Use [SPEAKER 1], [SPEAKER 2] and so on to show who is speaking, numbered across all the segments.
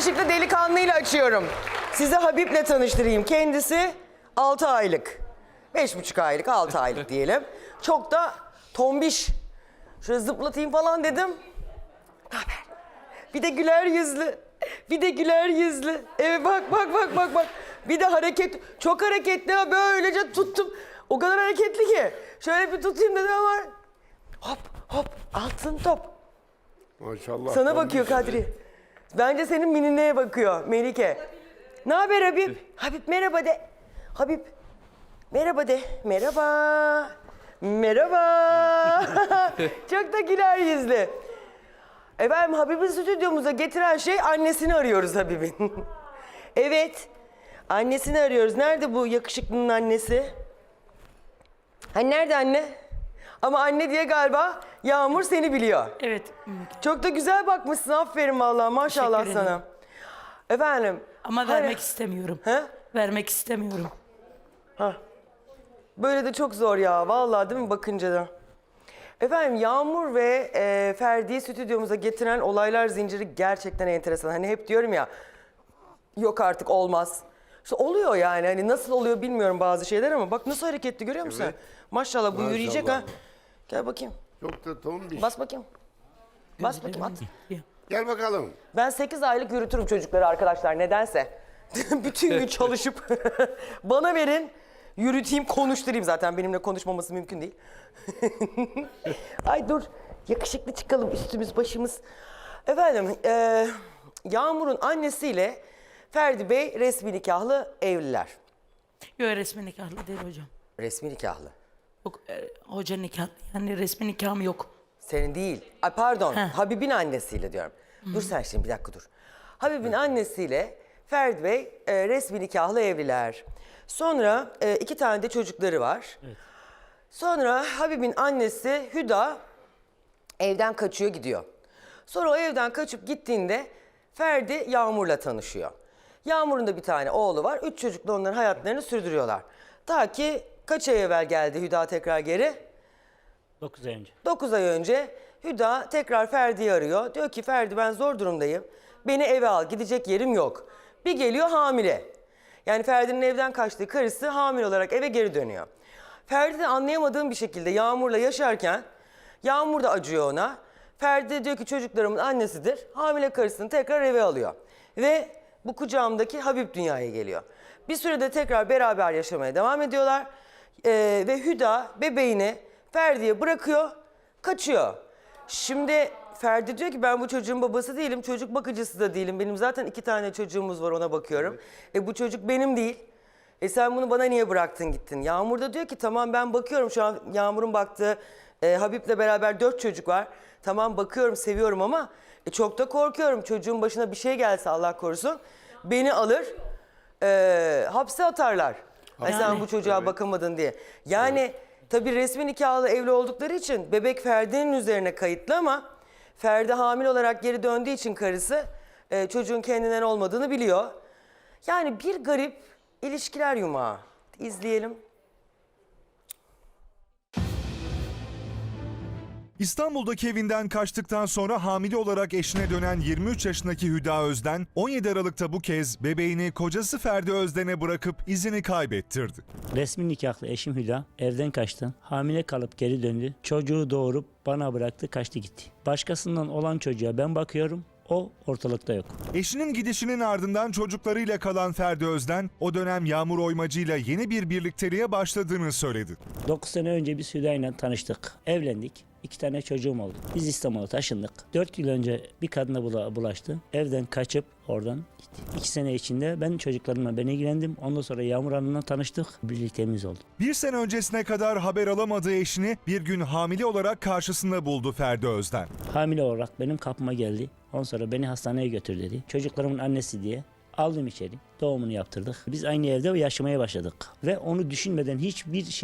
[SPEAKER 1] yakışıklı delikanlıyla açıyorum. Size Habib'le tanıştırayım. Kendisi 6 aylık. 5,5 aylık, 6 aylık diyelim. Çok da tombiş. Şöyle zıplatayım falan dedim. Naber? Bir de güler yüzlü. Bir de güler yüzlü. Evet bak. Bir de çok hareketli ha, böylece tuttum. O kadar hareketli ki. Şöyle bir tutayım dedim ama hop altın top.
[SPEAKER 2] Maşallah.
[SPEAKER 1] Sana bakıyor Kadri. Bence senin minineye bakıyor Melike. Ne haber Habib? Habib merhaba de. Habib merhaba de. Merhaba. Çok da güler yüzlü. Efendim Habib'i stüdyomuza getiren şey annesini arıyoruz Habib'in. Evet. Annesini arıyoruz. Nerede bu yakışıklının annesi? Hani nerede anne? Ama anne diye galiba Yağmur seni biliyor.
[SPEAKER 3] Evet.
[SPEAKER 1] Çok da güzel bakmışsın. Aferin vallahi maşallah
[SPEAKER 3] Teşekkür ederim.
[SPEAKER 1] sana. Efendim.
[SPEAKER 3] Ama vermek istemiyorum.
[SPEAKER 1] He?
[SPEAKER 3] Vermek istemiyorum.
[SPEAKER 1] Böyle de çok zor ya vallahi değil mi bakınca da. Efendim Yağmur ve Ferdi'yi stüdyomuza getiren olaylar zinciri gerçekten enteresan. Hani hep diyorum ya yok artık olmaz. İşte oluyor yani hani nasıl oluyor bilmiyorum bazı şeyler ama bak nasıl hareketli görüyor musun?
[SPEAKER 2] Evet.
[SPEAKER 1] Maşallah bu
[SPEAKER 2] Maşallah.
[SPEAKER 1] yürüyecek ha. Gel bakayım.
[SPEAKER 2] Çok da tombiş.
[SPEAKER 1] Bas bakayım. Bas bakayım at.
[SPEAKER 2] Gel bakalım.
[SPEAKER 1] Ben 8 aylık yürütürüm çocukları arkadaşlar nedense. Bütün gün çalışıp bana verin yürüteyim konuşturayım zaten benimle konuşmaması mümkün değil. Ay dur yakışıklı çıkalım üstümüz başımız. Efendim Yağmur'un annesiyle Ferdi Bey resmi nikahlı evliler.
[SPEAKER 3] Yok resmi nikahlı değil hocam.
[SPEAKER 1] Resmi nikahlı.
[SPEAKER 3] Yok hoca nikahlı. Yani resmi nikahım yok.
[SPEAKER 1] Senin değil. Ay pardon
[SPEAKER 3] Heh.
[SPEAKER 1] Habib'in annesiyle diyorum. Dur sen şimdi bir dakika dur. Habib'in annesiyle Ferdi Bey resmi nikahlı evliler. Sonra 2 tane de çocukları var. Evet. Sonra Habib'in annesi Hüda evden kaçıyor gidiyor. Sonra o evden kaçıp gittiğinde Ferdi Yağmur'la tanışıyor. Yağmur'un da bir tane oğlu var. 3 çocukla onların hayatlarını sürdürüyorlar. Ta ki kaç ay evvel geldi Hüda tekrar geri?
[SPEAKER 4] 9 ay önce.
[SPEAKER 1] 9 ay önce Hüda tekrar Ferdi'yi arıyor. Diyor ki Ferdi ben zor durumdayım. Beni eve al gidecek yerim yok. Bir geliyor hamile. Yani Ferdi'nin evden kaçtığı karısı hamile olarak eve geri dönüyor. Ferdi de anlayamadığım bir şekilde Yağmur'la yaşarken Yağmur da acıyor ona. Ferdi de diyor ki çocuklarımın annesidir. Hamile karısını tekrar eve alıyor. Ve bu kucağımdaki Habib dünyaya geliyor. Bir sürede tekrar beraber yaşamaya devam ediyorlar. Ve Hüda bebeğini Ferdi'ye bırakıyor, kaçıyor. Şimdi Ferdi diyor ki ben bu çocuğun babası değilim, çocuk bakıcısı da değilim. Benim zaten 2 tane çocuğumuz var ona bakıyorum. Bu çocuk benim değil. Sen bunu bana niye bıraktın gittin? Yağmur da diyor ki tamam ben bakıyorum şu an Yağmur'un baktığı Habib'le beraber 4 çocuk var. Tamam bakıyorum seviyorum ama çok da korkuyorum. Çocuğun başına bir şey gelse Allah korusun beni alır hapse atarlar. Sen bu çocuğa bakamadın diye. Yani tabii resmi nikahlı evli oldukları için bebek Ferdi'nin üzerine kayıtlı ama Ferdi hamile olarak geri döndüğü için karısı çocuğun kendinden olmadığını biliyor. Yani bir garip ilişkiler yumağı. İzleyelim.
[SPEAKER 5] İstanbul'daki evinden kaçtıktan sonra hamile olarak eşine dönen 23 yaşındaki Hüda Özden, 17 Aralık'ta bu kez bebeğini kocası Ferdi Özden'e bırakıp izini kaybettirdi.
[SPEAKER 4] Resmi nikahlı eşim Hüda evden kaçtı. Hamile kalıp geri döndü. Çocuğu doğurup bana bıraktı, kaçtı gitti. Başkasından olan çocuğa ben bakıyorum. O ortalıkta yok.
[SPEAKER 5] Eşinin gidişinin ardından çocuklarıyla kalan Ferdi Özden, o dönem Yağmur Oymacı'yla yeni bir birlikteliğe başladığını söyledi.
[SPEAKER 4] 9 sene önce biz Hüda ile tanıştık. Evlendik. 2 tane çocuğum oldu. Biz İstanbul'a taşındık. 4 yıl önce bir kadına bulaştı. Evden kaçıp oradan gitti. 2 sene içinde ben çocuklarımla ilgilendim. Ondan sonra Yağmur Hanım'la tanıştık. Birlikteliğimiz oldu.
[SPEAKER 5] Bir sene öncesine kadar haber alamadığı eşini bir gün hamile olarak karşısında buldu Ferdi Özden.
[SPEAKER 4] Hamile olarak benim kapıma geldi. Ondan sonra beni hastaneye götür dedi. Çocuklarımın annesi diye aldım içeri. Doğumunu yaptırdık. Biz aynı evde yaşamaya başladık. Ve onu düşünmeden hiçbir şey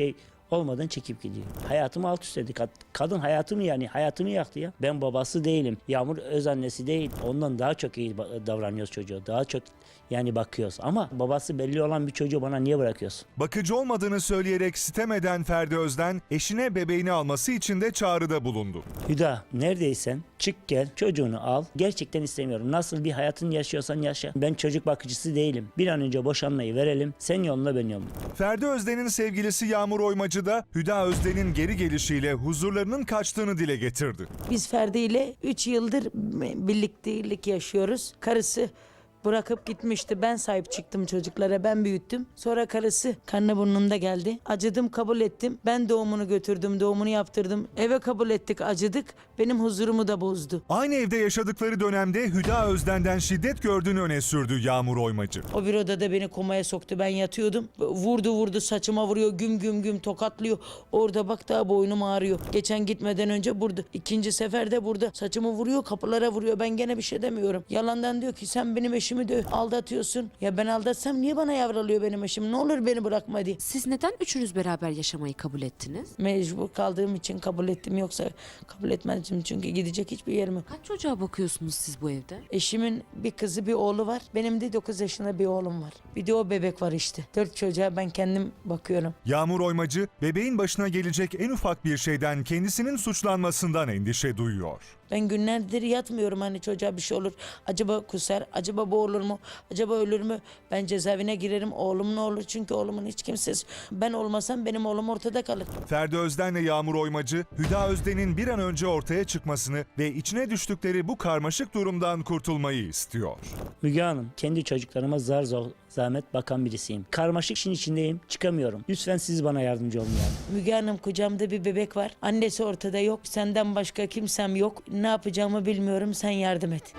[SPEAKER 4] olmadan çekip gidiyor. Hayatımı alt üst etti. Kadın hayatımı yani hayatımı yaktı ya. Ben babası değilim. Yağmur öz annesi değil. Ondan daha çok iyi davranıyoruz çocuğa. Daha çok yani bakıyoruz. Ama babası belli olan bir çocuğu bana niye bırakıyorsun?
[SPEAKER 5] Bakıcı olmadığını söyleyerek sitem eden Ferdi Özden, eşine bebeğini alması için de çağrıda bulundu.
[SPEAKER 4] Hüda neredeysen çık gel çocuğunu al. Gerçekten istemiyorum. Nasıl bir hayatın yaşıyorsan yaşa. Ben çocuk bakıcısı değilim. Bir an önce boşanmayı verelim. Sen yoluna ben yoluma.
[SPEAKER 5] Ferdi Özden'in sevgilisi Yağmur Oymacı da Hüda Özden'in geri gelişiyle huzurlarının kaçtığını dile getirdi.
[SPEAKER 3] Biz Ferdi ile 3 yıldır birliktelik yaşıyoruz. Karısı bırakıp gitmişti. Ben sahip çıktım çocuklara, ben büyüttüm. Sonra karısı karnı burnunda geldi. Acıdım, kabul ettim. Ben doğumunu götürdüm, doğumunu yaptırdım. Eve kabul ettik, acıdık. Benim huzurumu da bozdu.
[SPEAKER 5] Aynı evde yaşadıkları dönemde Hüda Özden'den şiddet gördüğünü öne sürdü Yağmur Oymacı.
[SPEAKER 3] O bir odada beni komaya soktu. Ben yatıyordum. Vurdu saçıma vuruyor. Güm güm güm tokatlıyor. Orada bak daha boynum ağrıyor. Geçen gitmeden önce burada. İkinci seferde burada. Saçımı vuruyor, kapılara vuruyor. Ben gene bir şey demiyorum. Yalandan diyor ki sen benim eşimi de aldatıyorsun. Ya ben aldatsam niye bana yavralıyor benim eşim? Ne olur beni bırakma diye.
[SPEAKER 6] Siz neden üçünüz beraber yaşamayı kabul ettiniz?
[SPEAKER 3] Mecbur kaldığım için kabul ettim. Yoksa kabul etmezdim çünkü gidecek hiçbir yerim yok.
[SPEAKER 6] Kaç çocuğa bakıyorsunuz siz bu evde?
[SPEAKER 3] Eşimin bir kızı bir oğlu var. Benim de 9 yaşında bir oğlum var. Bir de o bebek var işte. 4 çocuğa ben kendim bakıyorum.
[SPEAKER 5] Yağmur Oymacı, bebeğin başına gelecek en ufak bir şeyden kendisinin suçlanmasından endişe duyuyor.
[SPEAKER 3] Ben günlerdir yatmıyorum, hani çocuğa bir şey olur. Acaba kusar, acaba boğulur mu, acaba ölür mü? Ben cezaevine girerim, oğlum ne olur? Çünkü oğlumun hiç kimsesi. Ben olmasam benim oğlum ortada kalır.
[SPEAKER 5] Ferdi Özden'le Yağmur Oymacı, Hüda Özden'in bir an önce ortaya çıkmasını ve içine düştükleri bu karmaşık durumdan kurtulmayı istiyor.
[SPEAKER 4] Müge Hanım, kendi çocuklarıma zar zahmet bakan birisiyim. Karmaşık işin içindeyim, çıkamıyorum. Lütfen siz bana yardımcı olun yani.
[SPEAKER 3] Müge Hanım, kucağımda bir bebek var. Annesi ortada yok. Senden başka kimsem yok. Ne yapacağımı bilmiyorum. Sen yardım et.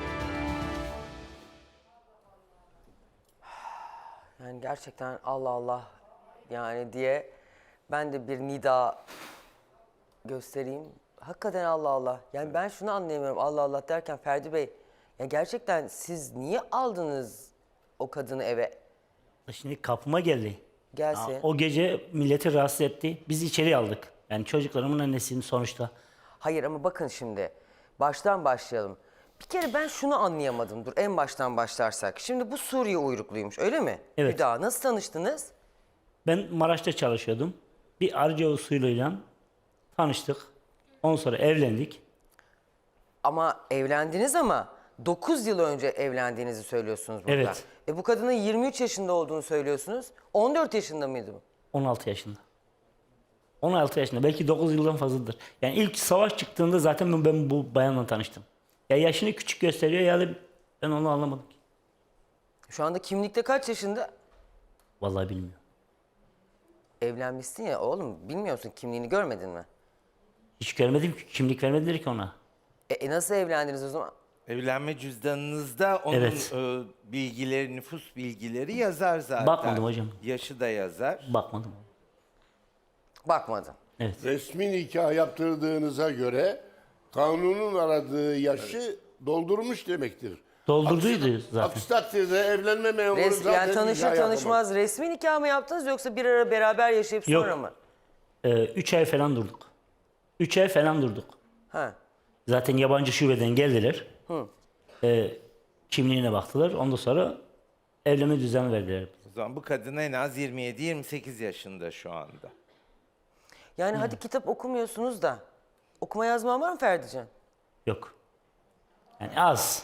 [SPEAKER 1] Yani gerçekten Allah Allah yani diye ben de bir nida göstereyim. Hakikaten Allah Allah. Yani ben şunu anlayamıyorum Allah Allah derken Ferdi Bey. Ya gerçekten siz niye aldınız o kadını eve?
[SPEAKER 4] Şimdi kapıma geldi.
[SPEAKER 1] Gelsin.
[SPEAKER 4] O gece milleti rahatsız etti. Biz içeri aldık. Yani çocuklarımın annesinin sonuçta.
[SPEAKER 1] Hayır ama bakın şimdi baştan başlayalım. Bir kere ben şunu anlayamadım. Dur en baştan başlarsak. Şimdi bu Suriye uyrukluymuş öyle mi?
[SPEAKER 4] Evet.
[SPEAKER 1] Hüda nasıl tanıştınız?
[SPEAKER 4] Ben Maraş'ta çalışıyordum. Bir arıca usulüyle tanıştık. Ondan sonra evlendik.
[SPEAKER 1] Ama evlendiniz ama 9 yıl önce evlendiğinizi söylüyorsunuz burada.
[SPEAKER 4] Evet.
[SPEAKER 1] Bu kadının 23 yaşında olduğunu söylüyorsunuz. 14 yaşında mıydı bu?
[SPEAKER 4] 16 yaşında. 16 yaşında. Belki 9 yıldan fazladır. Yani ilk savaş çıktığında zaten ben bu bayanla tanıştım. Ya yaşını küçük gösteriyor ya da ben onu anlamadım ki.
[SPEAKER 1] Şu anda kimlikte kaç yaşında?
[SPEAKER 4] Vallahi bilmiyorum.
[SPEAKER 1] Evlenmişsin ya oğlum bilmiyorsun kimliğini görmedin mi?
[SPEAKER 4] Hiç görmedim ki. Kimlik vermediler ki ona.
[SPEAKER 1] Nasıl evlendiniz o zaman?
[SPEAKER 7] Evlenme cüzdanınızda onun
[SPEAKER 4] Evet.
[SPEAKER 7] bilgileri, nüfus bilgileri yazar zaten.
[SPEAKER 4] Bakmadım hocam.
[SPEAKER 7] Yaşı da yazar.
[SPEAKER 4] Bakmadım.
[SPEAKER 1] Bakmadım.
[SPEAKER 4] Evet.
[SPEAKER 2] Resmi nikah yaptırdığınıza göre kanunun aradığı yaşı doldurmuş demektir.
[SPEAKER 4] Doldurduydu zaten.
[SPEAKER 2] Aksi takdirde evlenme memuru zaten
[SPEAKER 1] Yani tanışır
[SPEAKER 2] nikah
[SPEAKER 1] tanışmaz
[SPEAKER 2] yapamaz.
[SPEAKER 1] resmi nikah mı yaptınız yoksa bir ara beraber yaşayıp
[SPEAKER 4] Yok.
[SPEAKER 1] sonra mı?
[SPEAKER 4] 3 ay falan durduk. 3 ay falan durduk.
[SPEAKER 1] Ha.
[SPEAKER 4] Zaten yabancı şubeden geldiler. Kimliğine baktılar. Ondan sonra evlenme düzeni verdiler.
[SPEAKER 7] O zaman bu kadın en az 27-28 yaşında şu anda.
[SPEAKER 1] Yani hadi kitap okumuyorsunuz da okuma yazman var mı Ferdican?
[SPEAKER 4] Yok. Yani az.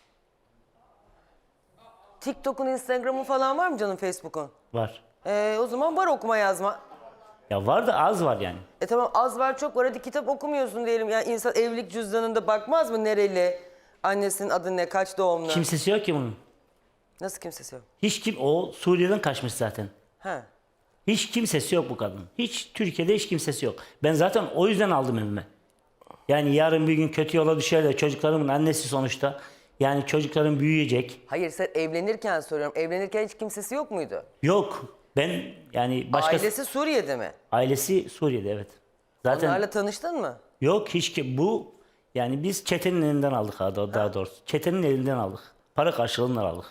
[SPEAKER 1] TikTok'un, Instagram'ın falan var mı canım, Facebook'un?
[SPEAKER 4] Var.
[SPEAKER 1] O zaman var okuma yazma.
[SPEAKER 4] Ya var da az var yani.
[SPEAKER 1] Tamam az var çok var, hadi kitap okumuyorsun diyelim. Yani insan evlilik cüzdanında bakmaz mı nereli, annesinin adı ne, kaç doğumlu?
[SPEAKER 4] Kimsesi yok ki bunun.
[SPEAKER 1] Nasıl kimsesi yok?
[SPEAKER 4] Hiç kim o Suriye'den kaçmış zaten.
[SPEAKER 1] Ha.
[SPEAKER 4] Hiç kimsesi yok bu kadın. Hiç Türkiye'de hiç kimsesi yok. Ben zaten o yüzden aldım evime. Yani yarın bir gün kötü yola düşer de çocuklarımın annesi sonuçta. Yani çocuklarım büyüyecek.
[SPEAKER 1] Hayır sen evlenirken soruyorum. Evlenirken hiç kimsesi yok muydu?
[SPEAKER 4] Yok. Ben yani başka
[SPEAKER 1] Ailesi Suriye'de mi?
[SPEAKER 4] ailesi Suriye'de evet. Zaten
[SPEAKER 1] Onlarla tanıştın mı?
[SPEAKER 4] yok hiç ki bu yani biz çetenin elinden aldık daha doğrusu. Çetenin elinden aldık. Para karşılığında aldık.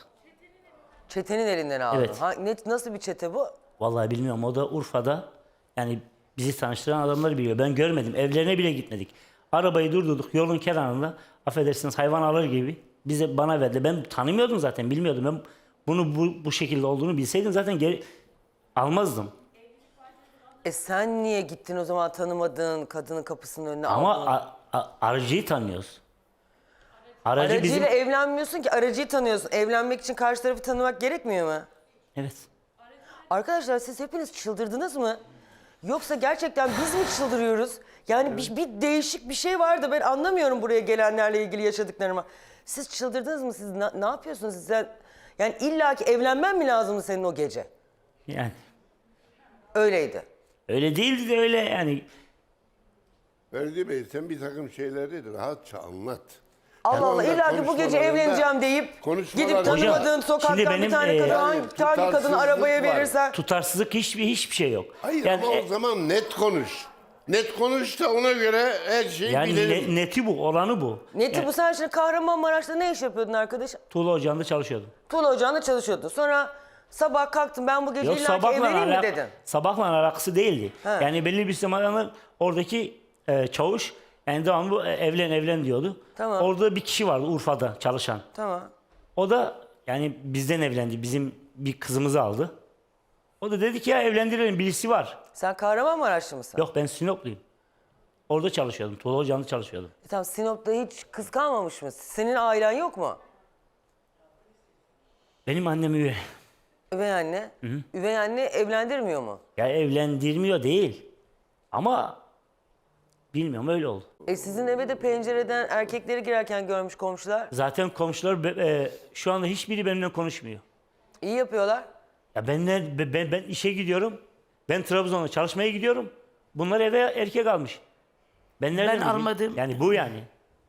[SPEAKER 1] Çetenin elinden aldın.
[SPEAKER 4] Evet.
[SPEAKER 1] Nasıl bir çete bu?
[SPEAKER 4] Vallahi bilmiyorum o da Urfa'da yani Bizi tanıştıran adamları biliyor. Ben görmedim. Evlerine bile gitmedik. Arabayı durdurduk yolun kenarında. Affedersiniz hayvan alır gibi. Bana verdi. Ben tanımıyordum zaten. Bilmiyordum. Ben bunu bu şekilde olduğunu bilseydim zaten geri almazdım.
[SPEAKER 1] Sen niye gittin o zaman tanımadığın kadının kapısının önüne aldın?
[SPEAKER 4] Ama aracıyı tanıyoruz. Aracı
[SPEAKER 1] Aracıyla
[SPEAKER 4] bizim...
[SPEAKER 1] evlenmiyorsun ki, aracıyı tanıyorsun. Evlenmek için karşı tarafı tanımak gerekmiyor mu?
[SPEAKER 4] Evet.
[SPEAKER 1] Arkadaşlar siz hepiniz çıldırdınız mı? Yoksa gerçekten biz mi çıldırıyoruz? Yani bir değişik bir şey var da ben anlamıyorum buraya gelenlerle ilgili yaşadıklarıma. Siz çıldırdınız mı? Siz ne yapıyorsunuz? Yani illaki evlenmen mi lazımdı senin o gece?
[SPEAKER 4] Yani
[SPEAKER 1] Öyleydi.
[SPEAKER 4] öyle değildi de öyle yani.
[SPEAKER 2] Ferdi Bey sen bir takım şeyleri rahatça anlat.
[SPEAKER 1] Allah
[SPEAKER 2] Şu
[SPEAKER 1] Allah
[SPEAKER 2] anda
[SPEAKER 1] illaki bu gece
[SPEAKER 2] konuşmalarında-
[SPEAKER 1] evleneceğim deyip
[SPEAKER 2] konuşmalarında-
[SPEAKER 1] gidip tanımadığın
[SPEAKER 4] Hocam,
[SPEAKER 1] sokaktan
[SPEAKER 4] şimdi
[SPEAKER 1] bir
[SPEAKER 4] benim,
[SPEAKER 1] tane kadın hangi
[SPEAKER 2] tutarsızlık
[SPEAKER 1] kadını arabaya
[SPEAKER 2] var.
[SPEAKER 1] verirsen...
[SPEAKER 4] Tutarsızlık hiçbir şey yok.
[SPEAKER 2] Hayır
[SPEAKER 4] Yani,
[SPEAKER 2] ama o zaman net konuş. Net konuş da ona göre her şeyi
[SPEAKER 4] yani
[SPEAKER 2] bilelim.
[SPEAKER 4] neti bu, olanı bu.
[SPEAKER 1] Neti
[SPEAKER 4] Yani,
[SPEAKER 1] bu sen şimdi Kahramanmaraş'ta ne iş yapıyordun arkadaş?
[SPEAKER 4] Tuğla Ocağı'nda çalışıyordum.
[SPEAKER 1] Tuğla Ocağı'nda çalışıyordun. Sonra sabah kalktın ben bu gece
[SPEAKER 4] Yok
[SPEAKER 1] illaki evleneyim mi dedin?
[SPEAKER 4] sabahla alakası değildi.
[SPEAKER 1] He.
[SPEAKER 4] Yani belli bir zamanlar oradaki çavuş yani devamlı evlen diyordu.
[SPEAKER 1] Tamam.
[SPEAKER 4] Orada bir kişi vardı Urfa'da çalışan.
[SPEAKER 1] Tamam.
[SPEAKER 4] O da yani bizden evlendi. Bizim bir kızımızı aldı. O da dedi ki ya evlendirelim birisi var.
[SPEAKER 1] Sen Kahramanmaraşlı mısın?
[SPEAKER 4] Yok ben Sinopluyum. Orada çalışıyordum. Tuğla Ocağı'nda çalışıyordum.
[SPEAKER 1] Tamam Sinop'ta hiç kız kalmamış mı? Senin ailen yok mu?
[SPEAKER 4] Benim annem üvey.
[SPEAKER 1] Üvey anne. Üvey anne evlendirmiyor mu?
[SPEAKER 4] Ya evlendirmiyor değil. Ama bilmiyorum öyle oldu.
[SPEAKER 1] Sizin eve de pencereden erkekleri girerken görmüş komşular.
[SPEAKER 4] Zaten komşular şu anda hiçbiri benimle konuşmuyor.
[SPEAKER 1] İyi yapıyorlar.
[SPEAKER 4] Ya ben işe gidiyorum. Ben Trabzon'a çalışmaya gidiyorum. Bunlar eve erkek almış. Ben nereden bileyim?
[SPEAKER 3] almadım.
[SPEAKER 4] Yani bu yani.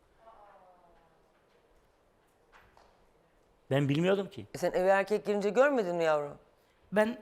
[SPEAKER 4] Ben bilmiyordum ki.
[SPEAKER 1] Sen eve erkek girince görmedin mi yavrum?
[SPEAKER 8] Ben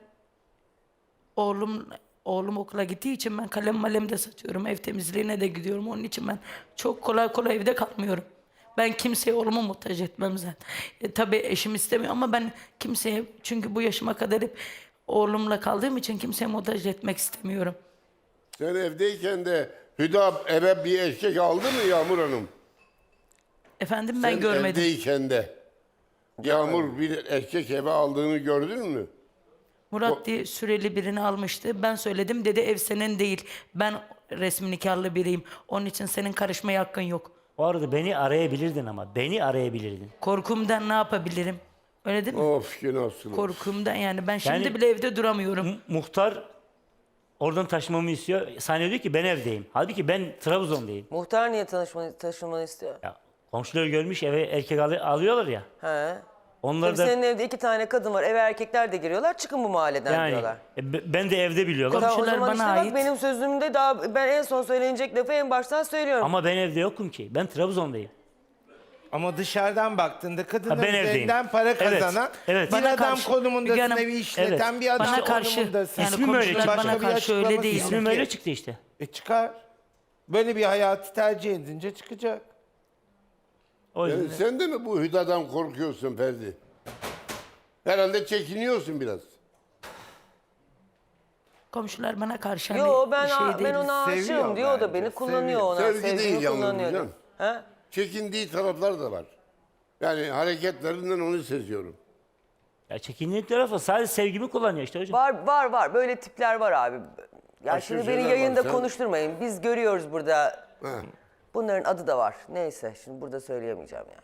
[SPEAKER 8] oğlum okula gittiği için ben kalem de saçıyorum. Ev temizliğine de gidiyorum. Onun için ben çok kolay evde kalmıyorum. Ben kimseye oğlumu muhtaç etmem zaten. Tabii eşim istemiyor ama ben kimseye çünkü bu yaşıma kadar hep oğlumla kaldığım için kimseye muhtaç etmek istemiyorum.
[SPEAKER 2] Sen evdeyken de Hüda eve bir erkek aldı mı Yağmur Hanım?
[SPEAKER 8] Efendim ben
[SPEAKER 2] Sen
[SPEAKER 8] görmedim.
[SPEAKER 2] evdeyken de Yağmur bir erkek eve aldığını gördün mü?
[SPEAKER 8] Murat diye süreli birini almıştı. Ben söyledim dedi ev senin değil. Ben resmi nikahlı biriyim. Onun için senin karışmaya hakkın yok.
[SPEAKER 4] O arada beni arayabilirdin ama. Beni arayabilirdin.
[SPEAKER 8] Korkumdan ne yapabilirim? Öyle değil mi?
[SPEAKER 2] Of günahsın.
[SPEAKER 8] Korkumdan yani ben şimdi
[SPEAKER 4] Yani-
[SPEAKER 8] bile evde duramıyorum.
[SPEAKER 4] Muhtar oradan taşımamı istiyor. Saniye diyor ki ben evdeyim. Halbuki ben Trabzon'dayım.
[SPEAKER 1] Muhtar niye taşınmanı istiyor?
[SPEAKER 4] Ya, komşular görmüş eve erkek alıyorlar ya.
[SPEAKER 1] He.
[SPEAKER 4] Onlar
[SPEAKER 1] Tabii
[SPEAKER 4] da
[SPEAKER 1] senin evde 2 tane kadın var. Eve erkekler de giriyorlar. Çıkın bu mahalleden
[SPEAKER 4] yani
[SPEAKER 1] diyorlar.
[SPEAKER 4] ben de evde biliyorlar.
[SPEAKER 8] Komşu-
[SPEAKER 1] Tamam, o
[SPEAKER 8] Komşular
[SPEAKER 1] zaman
[SPEAKER 8] bana
[SPEAKER 1] işte
[SPEAKER 8] ait.
[SPEAKER 1] bak benim sözümde daha ben en son söylenecek lafı en baştan söylüyorum.
[SPEAKER 4] Ama ben evde yokum ki. Ben Trabzon'dayım.
[SPEAKER 7] Ama dışarıdan baktığında kadının
[SPEAKER 4] Ha, ben evdeyim.
[SPEAKER 7] üzerinden para
[SPEAKER 4] Evet,
[SPEAKER 7] kazanan,
[SPEAKER 4] evet.
[SPEAKER 7] bir
[SPEAKER 8] Bana
[SPEAKER 7] adam
[SPEAKER 8] karşı-
[SPEAKER 7] konumundasın,
[SPEAKER 8] Müge Hanım,
[SPEAKER 7] evi işleten
[SPEAKER 4] evet.
[SPEAKER 7] bir adam
[SPEAKER 8] Bana karşı
[SPEAKER 7] konumundasın.
[SPEAKER 8] yani
[SPEAKER 4] İsmim öyle
[SPEAKER 8] komşular
[SPEAKER 4] çıktı.
[SPEAKER 8] bana
[SPEAKER 7] Başka bir
[SPEAKER 8] karşı öyle
[SPEAKER 7] açıklaması
[SPEAKER 8] değil.
[SPEAKER 7] yok.
[SPEAKER 4] İsmim öyle çıktı işte.
[SPEAKER 7] Çıkar. Böyle bir hayatı tercih edince çıkacak.
[SPEAKER 4] O yüzden.
[SPEAKER 2] Yani sen de mi bu Hüda'dan korkuyorsun Ferdi? Herhalde çekiniyorsun biraz.
[SPEAKER 8] Komşular bana karşı hani
[SPEAKER 1] Yo ben
[SPEAKER 8] şey
[SPEAKER 1] ben
[SPEAKER 8] değil.
[SPEAKER 1] ona aşığım
[SPEAKER 7] Seviyor
[SPEAKER 1] diyor da
[SPEAKER 7] bence,
[SPEAKER 1] beni kullanıyor
[SPEAKER 7] seviyor.
[SPEAKER 1] ona.
[SPEAKER 2] Sevgi
[SPEAKER 1] Sevgimi
[SPEAKER 2] değil yalnız
[SPEAKER 1] kullanıyor.
[SPEAKER 2] Gülcan.
[SPEAKER 1] He?
[SPEAKER 2] Çekindiği taraflar da var. Yani hareketlerinden onu seziyorum.
[SPEAKER 4] Ya çekindiğin tarafı sadece sevgimi kullanıyor işte hocam.
[SPEAKER 1] Var. Böyle tipler var abi. Ya
[SPEAKER 2] Başka
[SPEAKER 1] şimdi beni
[SPEAKER 2] şeyler var,
[SPEAKER 1] yayında
[SPEAKER 2] sen-
[SPEAKER 1] konuşturmayın. Biz görüyoruz burada.
[SPEAKER 2] Ha.
[SPEAKER 1] Bunların adı da var. Neyse şimdi burada söyleyemeyeceğim ya.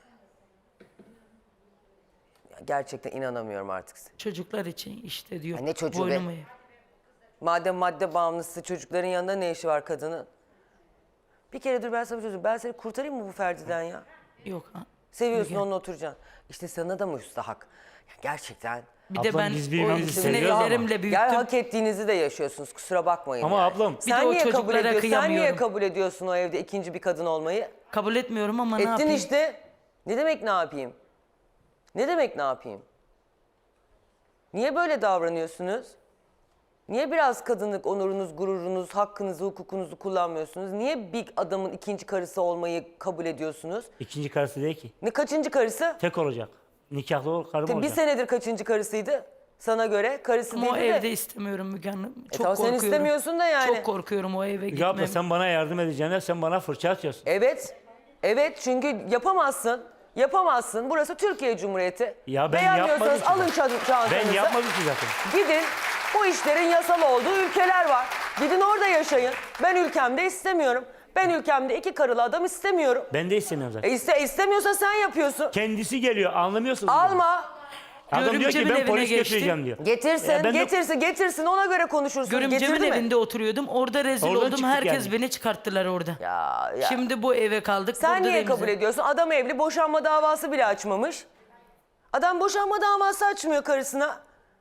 [SPEAKER 1] Ya gerçekten inanamıyorum artık size.
[SPEAKER 8] Çocuklar için işte diyor.
[SPEAKER 1] Ya ne çocuğu be?
[SPEAKER 8] boynumu eğ.
[SPEAKER 1] Madem madde bağımlısı çocukların yanında ne işi var kadının? Bir kere dur ben sana bir şey söyleyeyim. Ben seni kurtarayım mı bu Ferdi'den ya?
[SPEAKER 8] Yok. Ha.
[SPEAKER 1] Seviyorsun onunla oturacaksın. İşte sana da müstahak. Ya gerçekten.
[SPEAKER 8] Bir de
[SPEAKER 4] Ablam,
[SPEAKER 8] ben
[SPEAKER 4] biz birbirimizi
[SPEAKER 8] ikisini
[SPEAKER 4] seviyoruz ama.
[SPEAKER 8] ellerimle büyüttüm.
[SPEAKER 1] Gel hak ettiğinizi de yaşıyorsunuz. Kusura bakmayın.
[SPEAKER 4] Ama
[SPEAKER 1] yani.
[SPEAKER 4] ablam-
[SPEAKER 8] Bir de
[SPEAKER 1] Sen
[SPEAKER 8] o
[SPEAKER 1] niye kabul
[SPEAKER 8] çocuklara
[SPEAKER 1] ediyorsun? Sen niye
[SPEAKER 8] kıyamıyorum.
[SPEAKER 1] kabul ediyorsun o evde ikinci bir kadın olmayı?
[SPEAKER 8] Kabul etmiyorum ama ne
[SPEAKER 1] Ettin
[SPEAKER 8] yapayım?
[SPEAKER 1] işte. Ne demek ne yapayım? Ne demek ne yapayım? Niye böyle davranıyorsunuz? Niye biraz kadınlık onurunuz, gururunuz, hakkınızı, hukukunuzu kullanmıyorsunuz? Niye bir adamın ikinci karısı olmayı kabul ediyorsunuz?
[SPEAKER 4] İkinci karısı değil ki.
[SPEAKER 1] Ne kaçıncı karısı?
[SPEAKER 4] Tek olacak. Nikahlı karım
[SPEAKER 1] Bir
[SPEAKER 4] olacak.
[SPEAKER 1] senedir kaçıncı karısıydı? Sana göre karısı
[SPEAKER 8] Ama o
[SPEAKER 1] değil de.
[SPEAKER 8] evde istemiyorum Müge Hanım. Çok
[SPEAKER 1] tamam, sen
[SPEAKER 8] korkuyorum.
[SPEAKER 1] istemiyorsun da yani.
[SPEAKER 8] Çok korkuyorum o eve
[SPEAKER 4] Ya
[SPEAKER 8] gitmem.
[SPEAKER 4] abla sen bana yardım edeceğine sen bana fırça atıyorsun.
[SPEAKER 1] Evet. Evet, çünkü yapamazsın. Yapamazsın. Burası Türkiye Cumhuriyeti.
[SPEAKER 4] Ya ben
[SPEAKER 1] Beğenmiyorsanız
[SPEAKER 4] yapmadım ki
[SPEAKER 1] alın çantanızı.
[SPEAKER 4] Ben yapmadım ki zaten.
[SPEAKER 1] Gidin. Bu işlerin yasal olduğu ülkeler var. Gidin orada yaşayın. Ben ülkemde istemiyorum. Ben ülkemde 2 karılı adam istemiyorum.
[SPEAKER 4] Ben de istemiyorum zaten.
[SPEAKER 1] İstemiyorsa sen yapıyorsun.
[SPEAKER 4] Kendisi geliyor anlamıyorsunuz. mu?
[SPEAKER 1] Alma.
[SPEAKER 4] Adam diyor ki
[SPEAKER 8] Görümcemin
[SPEAKER 4] ben
[SPEAKER 8] evine
[SPEAKER 4] polis
[SPEAKER 8] geçtim.
[SPEAKER 4] getireceğim diyor.
[SPEAKER 1] Getirsin,
[SPEAKER 4] Ya ben de-
[SPEAKER 1] getirsin. Ona göre konuşursun.
[SPEAKER 8] Görümcemin
[SPEAKER 1] Getirdi mi?
[SPEAKER 8] evinde oturuyordum. Orada rezil
[SPEAKER 4] Oradan
[SPEAKER 8] oldum.
[SPEAKER 4] çıktık
[SPEAKER 8] Herkes
[SPEAKER 4] yani.
[SPEAKER 8] beni çıkarttılar orada.
[SPEAKER 1] Ya.
[SPEAKER 8] Şimdi bu eve kaldık.
[SPEAKER 1] Sen
[SPEAKER 8] burada
[SPEAKER 1] niye
[SPEAKER 8] da
[SPEAKER 1] kabul
[SPEAKER 8] imza-
[SPEAKER 1] ediyorsun? Adam evli, boşanma davası bile açmamış. Adam boşanma davası açmıyor karısına.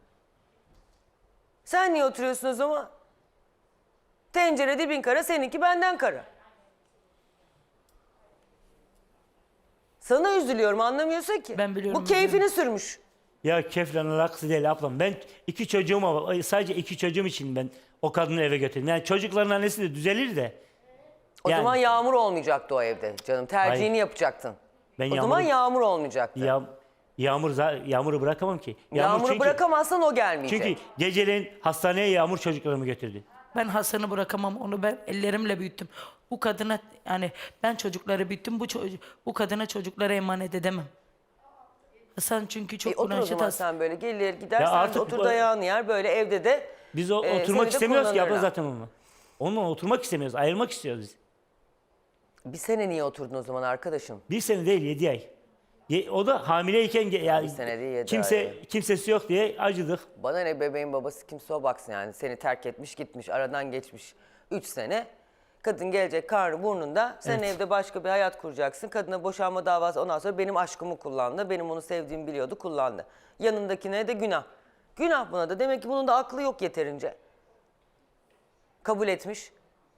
[SPEAKER 1] Sen niye oturuyorsun o zaman? Tencere dibin kara, seninki benden kara. Sana üzülüyorum, anlamıyorsun ki.
[SPEAKER 8] Ben biliyorum,
[SPEAKER 1] Bu keyfini sürmüş.
[SPEAKER 4] Ya keflen alakası değil ablam. Ben 2 çocuğum var. Sadece 2 çocuğum için ben o kadını eve götürdüm. Yani çocukların annesi de düzelir de.
[SPEAKER 1] O
[SPEAKER 4] Yani-
[SPEAKER 1] zaman yağmur olmayacaktı o evde canım. Tercihini
[SPEAKER 4] Hayır.
[SPEAKER 1] yapacaktın.
[SPEAKER 4] Ben
[SPEAKER 1] O zaman yağmur olmayacaktı.
[SPEAKER 4] Yağmuru bırakamam ki.
[SPEAKER 1] Yağmuru
[SPEAKER 4] çünkü-
[SPEAKER 1] bırakamazsan o gelmeyecek.
[SPEAKER 4] Çünkü geceleyin hastaneye Yağmur çocuklarımı götürdü.
[SPEAKER 8] Ben Hasan'ı bırakamam. Onu ben ellerimle büyüttüm. Bu kadına yani ben çocukları büyüttüm. Bu kadına çocuklara emanet edemem. Hasan çünkü çok
[SPEAKER 1] Otur o
[SPEAKER 8] uğraşlı
[SPEAKER 1] zaman
[SPEAKER 8] hasta.
[SPEAKER 1] sen böyle gelir gider
[SPEAKER 4] Ya
[SPEAKER 1] sen
[SPEAKER 4] artık
[SPEAKER 1] otur
[SPEAKER 4] bu-
[SPEAKER 1] dayağını yer böyle evde de.
[SPEAKER 4] Biz
[SPEAKER 1] seni
[SPEAKER 4] oturmak
[SPEAKER 1] de
[SPEAKER 4] istemiyoruz ki abla
[SPEAKER 1] kullanırlar.
[SPEAKER 4] zaten onunla. Onunla oturmak istemiyoruz. Ayrılmak istiyoruz biz.
[SPEAKER 1] Bir sene niye oturdun o zaman arkadaşım?
[SPEAKER 4] 1 sene değil 7 ay. O da hamileyken yani
[SPEAKER 1] Bir sene değil, 7
[SPEAKER 4] kimsesi yok diye acıdık.
[SPEAKER 1] Bana ne, bebeğin babası kimse o baksın yani. Seni terk etmiş gitmiş, aradan geçmiş 3 sene. Kadın gelecek karnı burnunda. Sen
[SPEAKER 4] Evet.
[SPEAKER 1] evde başka bir hayat kuracaksın. Kadına boşanma davası, ondan sonra benim aşkımı kullandı. Benim onu sevdiğimi biliyordu, kullandı. Yanındakine de günah. Günah buna da. Demek ki bunun da aklı yok yeterince. Kabul etmiş.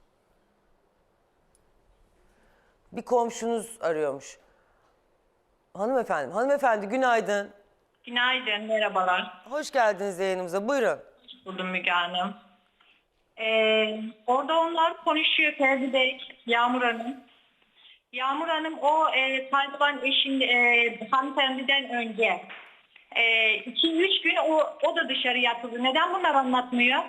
[SPEAKER 1] Bir komşunuz arıyormuş. Hanımefendi günaydın.
[SPEAKER 9] Günaydın, merhabalar.
[SPEAKER 1] Hoş geldiniz yayınımıza. Buyurun.
[SPEAKER 9] Buldum Müge Hanım. Orada onlar konuşuyor Ferdi Bey, Yağmur Hanım. Yağmur Hanım o kaybolan eşin hanımefendiden önce 2-3 gün o da dışarı yatıldı. Neden bunlar anlatmıyor?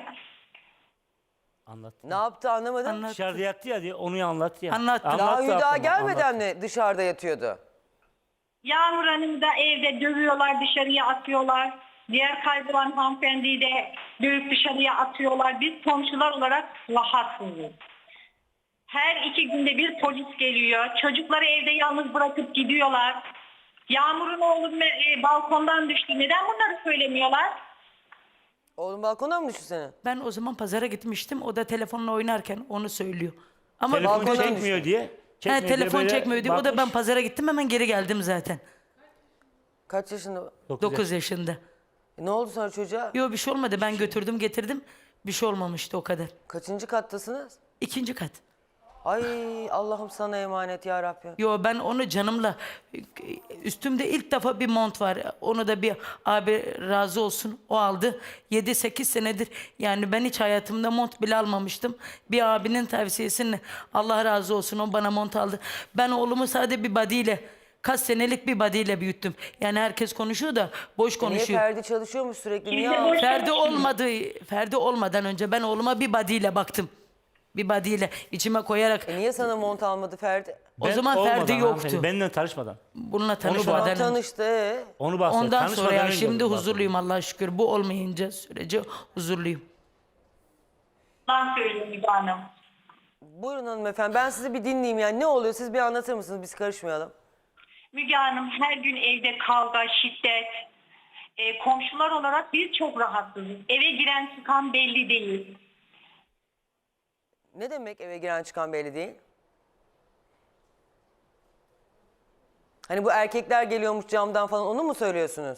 [SPEAKER 4] Anlat.
[SPEAKER 1] Ne yaptı anlamadım.
[SPEAKER 8] Anlat.
[SPEAKER 4] Dışarıda yattı ya diye onu anlattı ya.
[SPEAKER 8] Anlattı.
[SPEAKER 1] Daha
[SPEAKER 4] Anlattı
[SPEAKER 1] Hüda
[SPEAKER 4] ablama,
[SPEAKER 1] gelmeden
[SPEAKER 4] anlattı.
[SPEAKER 1] mi dışarıda yatıyordu?
[SPEAKER 9] Yağmur Hanım'ı da evde dövüyorlar, dışarıya atıyorlar. Diğer kaybolan hanımefendiyi de dövüp dışarıya atıyorlar. Biz komşular olarak rahatsızız. Her 2 günde bir polis geliyor. Çocukları evde yalnız bırakıp gidiyorlar. Yağmur'un oğlu balkondan düştü. Neden bunları söylemiyorlar?
[SPEAKER 1] Oğlum balkondan mı düştü senin?
[SPEAKER 8] Ben o zaman pazara gitmiştim. O da telefonla oynarken onu söylüyor. Ama
[SPEAKER 4] Telefon
[SPEAKER 1] balkondan
[SPEAKER 4] çekmiyor diye.
[SPEAKER 8] he, telefon
[SPEAKER 4] böyle
[SPEAKER 8] çekmiyor diye. O da ben
[SPEAKER 4] bakmış.
[SPEAKER 8] pazara gittim hemen geri geldim zaten.
[SPEAKER 1] Kaç yaşında?
[SPEAKER 8] 9 yaşında.
[SPEAKER 1] Ne oldu sonra çocuğa?
[SPEAKER 8] Yok bir şey olmadı. Ben götürdüm getirdim. Bir şey olmamıştı o kadar.
[SPEAKER 1] Kaçıncı kattasınız?
[SPEAKER 8] 2. kat.
[SPEAKER 1] Ay Allah'ım sana emanet ya Rabbim.
[SPEAKER 8] Yo ben onu canımla üstümde ilk defa bir mont var. Onu da bir abi razı olsun o aldı. 7-8 senedir yani ben hiç hayatımda mont bile almamıştım. Bir abinin tavsiyesiyle Allah razı olsun o bana mont aldı. Ben oğlumu sadece bir badiyle kaç senelik bir badiyle büyüttüm. Yani herkes konuşuyor da boş
[SPEAKER 1] Niye
[SPEAKER 8] konuşuyor.
[SPEAKER 1] Ferdi çalışıyormuş sürekli? Niye
[SPEAKER 9] Biz de
[SPEAKER 1] ağlıyor?
[SPEAKER 9] boş-
[SPEAKER 8] Ferdi olmadan önce ben oğluma bir badiyle baktım. Bir badiyle içime koyarak.
[SPEAKER 1] Niye sana mont almadı Ferdi?
[SPEAKER 8] O
[SPEAKER 4] Ben
[SPEAKER 8] zaman
[SPEAKER 4] olmadan
[SPEAKER 8] Ferdi
[SPEAKER 4] hanımefendi,
[SPEAKER 8] yoktu.
[SPEAKER 4] Benimle tanışmadan.
[SPEAKER 8] Bununla
[SPEAKER 1] Tamam
[SPEAKER 8] tanışmadan önce.
[SPEAKER 1] tanıştı.
[SPEAKER 4] Onu bahsediyor.
[SPEAKER 8] Ondan sonra
[SPEAKER 4] Tanışmadan
[SPEAKER 8] ya
[SPEAKER 4] önce
[SPEAKER 8] şimdi
[SPEAKER 4] onu
[SPEAKER 8] huzurluyum Allah'a şükür. Bu olmayınca sürece huzurluyum.
[SPEAKER 9] Ben söylüyorum Müge Hanım.
[SPEAKER 1] Buyurun hanımefendi, ben sizi bir dinleyeyim yani. Ne oluyor, siz bir anlatır mısınız, biz karışmayalım.
[SPEAKER 9] Müge Hanım her gün evde kavga, şiddet. Komşular olarak biz çok rahatsızız. Eve giren çıkan belli değil.
[SPEAKER 1] Ne demek eve giren çıkan belli değil? Hani bu erkekler geliyormuş camdan falan, onu mu söylüyorsunuz?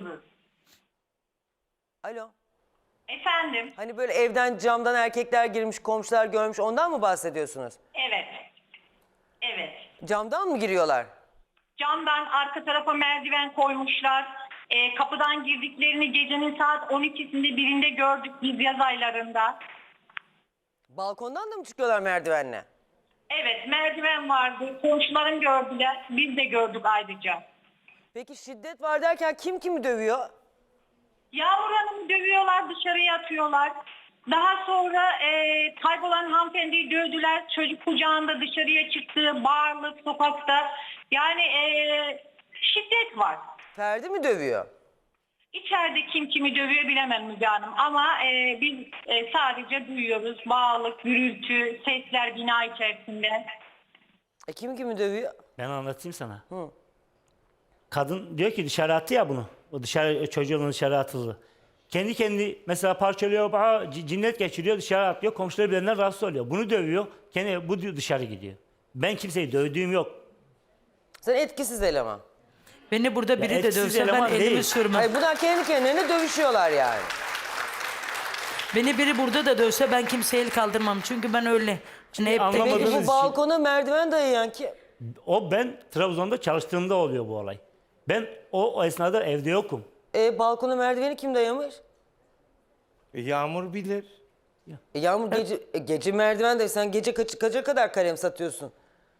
[SPEAKER 1] Alo.
[SPEAKER 9] Efendim?
[SPEAKER 1] Hani böyle evden camdan erkekler girmiş, komşular görmüş, ondan mı bahsediyorsunuz?
[SPEAKER 9] Evet. Evet.
[SPEAKER 1] Camdan mı giriyorlar?
[SPEAKER 9] Camdan arka tarafa merdiven koymuşlar. Kapıdan girdiklerini gecenin saat 12'sinde birinde gördük biz yaz aylarında.
[SPEAKER 1] Balkondan da mı çıkıyorlar merdivenle?
[SPEAKER 9] Evet merdiven vardı. Komşularım gördüler. Biz de gördük ayrıca.
[SPEAKER 1] Peki şiddet var derken kim kimi dövüyor?
[SPEAKER 9] Yağmur Hanım'ı dövüyorlar, dışarıya atıyorlar. Daha sonra kaybolan hanımefendiyi dövdüler. Çocuk kucağında dışarıya çıktı, bağırlık sokakta. Yani şiddet var.
[SPEAKER 1] Ferdi mi dövüyor?
[SPEAKER 9] İçeride kim kimi dövüyor bilemem Müge Hanım. Ama biz sadece duyuyoruz. Bağırlık, gürültü, sesler bina içerisinde.
[SPEAKER 1] Kim kimi dövüyor?
[SPEAKER 4] Ben anlatayım sana. Kadın diyor ki dışarı attı ya bunu. O dışarı çocuğun dışarı atıldı. Kendi mesela parçalıyor, cinnet geçiriyor, dışarı atıyor. Komşuları birbirinden rahatsız oluyor. Bunu dövüyor. Bu diyor dışarı gidiyor. Ben kimseyi dövdüğüm yok.
[SPEAKER 1] Sen etkisiz eleman.
[SPEAKER 8] Beni burada biri de
[SPEAKER 4] etkisiz
[SPEAKER 8] dövse ben
[SPEAKER 4] eleman
[SPEAKER 8] elimi
[SPEAKER 4] değil.
[SPEAKER 8] sürmem.
[SPEAKER 1] Hayır, bunlar kendi kendilerine dövüşüyorlar yani.
[SPEAKER 8] Beni biri burada da dövse ben kimseye el kaldırmam. Çünkü ben öyle. Hani hep de
[SPEAKER 4] anlamadınız.
[SPEAKER 1] Peki
[SPEAKER 4] Anladığınız
[SPEAKER 1] bu
[SPEAKER 4] için.
[SPEAKER 1] balkona merdiven dayayan kim?
[SPEAKER 4] O ben Trabzon'da çalıştığımda oluyor bu olay. Ben o esnada evde yokum.
[SPEAKER 1] Balkona merdiveni kim dayamış?
[SPEAKER 7] Yağmur bilir.
[SPEAKER 1] Yağmur gece merdiven de sen gece kaça kadar kalem satıyorsun?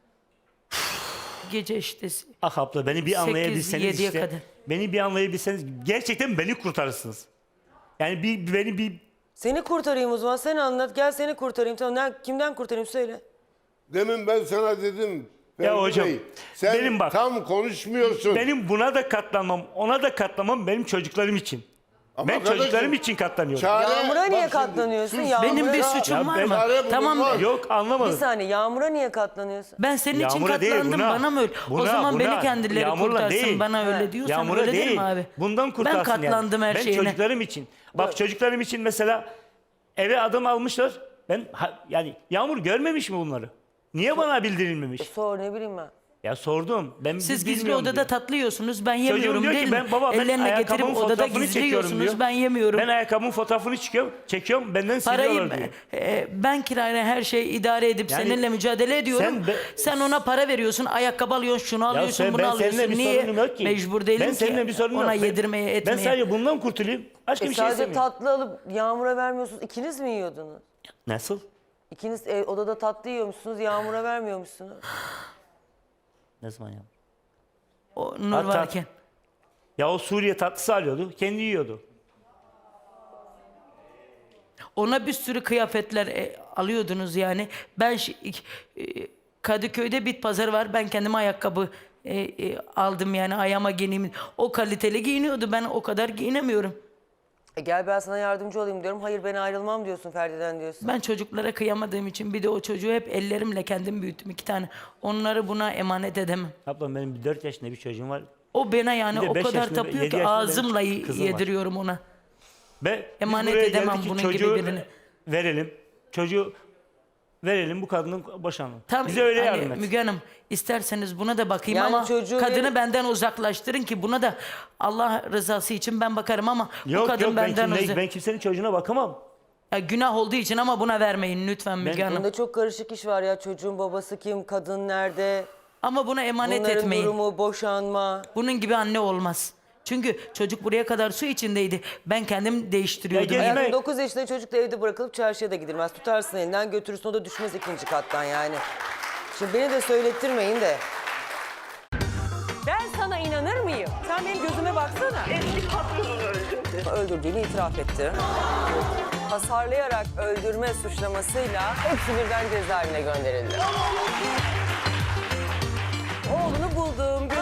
[SPEAKER 8] gece işte.
[SPEAKER 4] Ah abla beni bir
[SPEAKER 8] 8-7'ye
[SPEAKER 4] anlayabilseniz işte.
[SPEAKER 8] kadar.
[SPEAKER 4] Beni bir anlayabilseniz gerçekten beni kurtarırsınız. Yani beni bir
[SPEAKER 1] Seni kurtarayım o zaman, sen anlat, gel seni kurtarayım. Tamam, kimden kurtarayım söyle.
[SPEAKER 2] Demin ben sana dedim.
[SPEAKER 4] Ya
[SPEAKER 2] Ferdi
[SPEAKER 4] hocam,
[SPEAKER 2] Bey, sen
[SPEAKER 4] benim bak-
[SPEAKER 2] tam konuşmuyorsun.
[SPEAKER 4] benim buna da katlanmam, ona da katlanmam benim çocuklarım için.
[SPEAKER 2] Ama
[SPEAKER 4] Ben
[SPEAKER 2] kardeşim,
[SPEAKER 4] çocuklarım için katlanıyorum.
[SPEAKER 1] Yağmur'a
[SPEAKER 2] bak
[SPEAKER 1] niye
[SPEAKER 2] şimdi,
[SPEAKER 1] katlanıyorsun?
[SPEAKER 2] sus.
[SPEAKER 1] Yağmur'a-
[SPEAKER 8] Benim bir
[SPEAKER 1] Ya
[SPEAKER 8] suçum
[SPEAKER 4] ben-
[SPEAKER 8] var mı?
[SPEAKER 2] Çare
[SPEAKER 8] Tamam.
[SPEAKER 2] bulunmaz.
[SPEAKER 4] Yok
[SPEAKER 1] Bir
[SPEAKER 4] anlamadım.
[SPEAKER 1] saniye, Yağmur'a niye katlanıyorsun?
[SPEAKER 8] Ben senin için
[SPEAKER 4] Yağmur'a değil,
[SPEAKER 8] katlandım, bana mı öyle? O
[SPEAKER 4] buna,
[SPEAKER 8] zaman beni
[SPEAKER 4] buna.
[SPEAKER 8] kendileri
[SPEAKER 4] Yağmur'la
[SPEAKER 8] kurtarsın,
[SPEAKER 4] değil.
[SPEAKER 8] bana öyle diyorsan
[SPEAKER 4] Yağmur'a
[SPEAKER 8] öyle
[SPEAKER 4] değil.
[SPEAKER 8] derim abi.
[SPEAKER 4] Bundan kurtarsın
[SPEAKER 8] Ben katlandım
[SPEAKER 4] yani.
[SPEAKER 8] her şeyine.
[SPEAKER 4] Ben çocuklarım için. Bak çocuklarım için mesela eve adım almışlar. Yani Yağmur görmemiş mi bunları? Niye bana bildirilmemiş?
[SPEAKER 1] Sor, ne bileyim ben.
[SPEAKER 4] Ya sordum. Ben
[SPEAKER 8] Siz gizli
[SPEAKER 4] bilmiyorum
[SPEAKER 8] odada
[SPEAKER 4] diyor.
[SPEAKER 8] tatlı yiyorsunuz, ben
[SPEAKER 4] Çocuğum
[SPEAKER 8] yemiyorum
[SPEAKER 4] diyor
[SPEAKER 8] değil
[SPEAKER 4] ki
[SPEAKER 8] mi?
[SPEAKER 4] ben baba ben
[SPEAKER 8] Ellerine getirip
[SPEAKER 4] ayakkabımın
[SPEAKER 8] odada
[SPEAKER 4] fotoğrafını
[SPEAKER 8] gizli
[SPEAKER 4] çekiyorum
[SPEAKER 8] yiyorsunuz,
[SPEAKER 4] diyor.
[SPEAKER 8] ben yemiyorum.
[SPEAKER 4] Ben ayakkabımın fotoğrafını çekiyorum benden
[SPEAKER 8] Parayı
[SPEAKER 4] siliyorlar diyor.
[SPEAKER 8] ben kirayla her şeyi idare edip
[SPEAKER 4] Yani
[SPEAKER 8] seninle mücadele ediyorum. Sen ona para veriyorsun, ayakkabı alıyorsun, şunu alıyorsun, bunu
[SPEAKER 4] ben
[SPEAKER 8] alıyorsun.
[SPEAKER 4] seninle bir
[SPEAKER 8] Niye?
[SPEAKER 4] sorunum yok ki.
[SPEAKER 8] Mecbur değilim
[SPEAKER 4] Ben seninle bir
[SPEAKER 8] ki
[SPEAKER 4] sorunum
[SPEAKER 8] ona
[SPEAKER 4] yok.
[SPEAKER 8] yedirmeye, etmeye.
[SPEAKER 4] Ben sadece bundan kurtulayım. Başka bir şey
[SPEAKER 1] Sadece
[SPEAKER 4] istemiyorum.
[SPEAKER 1] tatlı alıp Yağmur'a vermiyorsunuz. İkiniz mi yiyordunuz?
[SPEAKER 4] Nasıl?
[SPEAKER 1] İkiniz odada tatlı yiyormuşsunuz, Yağmur'a vermiyormuşsunuz.
[SPEAKER 4] Ne zaman ya?
[SPEAKER 8] O Nur
[SPEAKER 4] Hatta-
[SPEAKER 8] varken.
[SPEAKER 4] Ya o Suriye tatlısı alıyordu. Kendi yiyordu.
[SPEAKER 8] Ona bir sürü kıyafetler alıyordunuz yani. Ben Kadıköy'de bit pazarı var. Ben kendime ayakkabı aldım yani, ayağıma giyineyim. O kaliteli giyiniyordu. Ben o kadar giyinemiyorum.
[SPEAKER 1] Gel ben sana yardımcı olayım diyorum. Hayır, ben ayrılmam diyorsun, Ferdi'den diyorsun.
[SPEAKER 8] Ben çocuklara kıyamadığım için, bir de o çocuğu hep ellerimle kendim büyüttüm, 2 tane. Onları buna emanet edemem.
[SPEAKER 4] Ablam benim 4 yaşında bir çocuğum var.
[SPEAKER 8] O bana yani
[SPEAKER 4] Bir de
[SPEAKER 8] o
[SPEAKER 4] 5
[SPEAKER 8] kadar
[SPEAKER 4] yaşında,
[SPEAKER 8] tapıyor
[SPEAKER 4] 7
[SPEAKER 8] ki
[SPEAKER 4] yaşında
[SPEAKER 8] ağzımla
[SPEAKER 4] benim kızım var.
[SPEAKER 8] yediriyorum ona.
[SPEAKER 4] Biz
[SPEAKER 8] Emanet
[SPEAKER 4] buraya
[SPEAKER 8] edemem
[SPEAKER 4] geldik ki
[SPEAKER 8] bunun gibi
[SPEAKER 4] çocuğu
[SPEAKER 8] birini.
[SPEAKER 4] verelim. Çocuğu verelim, bu kadının boşanalım.
[SPEAKER 8] Tam
[SPEAKER 4] Bize öyle
[SPEAKER 8] hani
[SPEAKER 4] yardım et.
[SPEAKER 8] Müge Hanım, isterseniz buna da bakayım
[SPEAKER 1] Yani
[SPEAKER 8] ama
[SPEAKER 1] çocuğu
[SPEAKER 8] kadını
[SPEAKER 1] verip-
[SPEAKER 8] benden uzaklaştırın ki buna da Allah rızası için ben bakarım ama bu
[SPEAKER 4] Yok
[SPEAKER 8] kadın
[SPEAKER 4] yok
[SPEAKER 8] benden
[SPEAKER 4] ben kimsenin çocuğuna bakamam.
[SPEAKER 8] Ya günah olduğu için ama buna vermeyin lütfen Müge Hanım.
[SPEAKER 1] Bunda çok karışık iş var ya. Çocuğun babası kim, kadın nerede,
[SPEAKER 8] Ama buna emanet
[SPEAKER 1] bunların
[SPEAKER 8] etmeyin.
[SPEAKER 1] durumu, boşanma.
[SPEAKER 8] Bunun gibi anne olmaz. Çünkü çocuk buraya kadar su içindeydi. Ben kendim değiştiriyordum.
[SPEAKER 4] Ya
[SPEAKER 8] Yani.
[SPEAKER 1] Hayatım, 9 yaşında çocuk da evde bırakılıp çarşıya da gidilmez. Tutarsın elinden götürürsün, o da düşmez 2. kattan yani. Şimdi beni de söylettirmeyin de. Ben sana inanır mıyım? Sen benim gözüme baksana.
[SPEAKER 10] Eski patronunu öldürdü.
[SPEAKER 1] Öldürdüğünü itiraf etti. Hasarlayarak öldürme suçlamasıyla hepsi birden cezaevine gönderildi. Oğlunu buldum,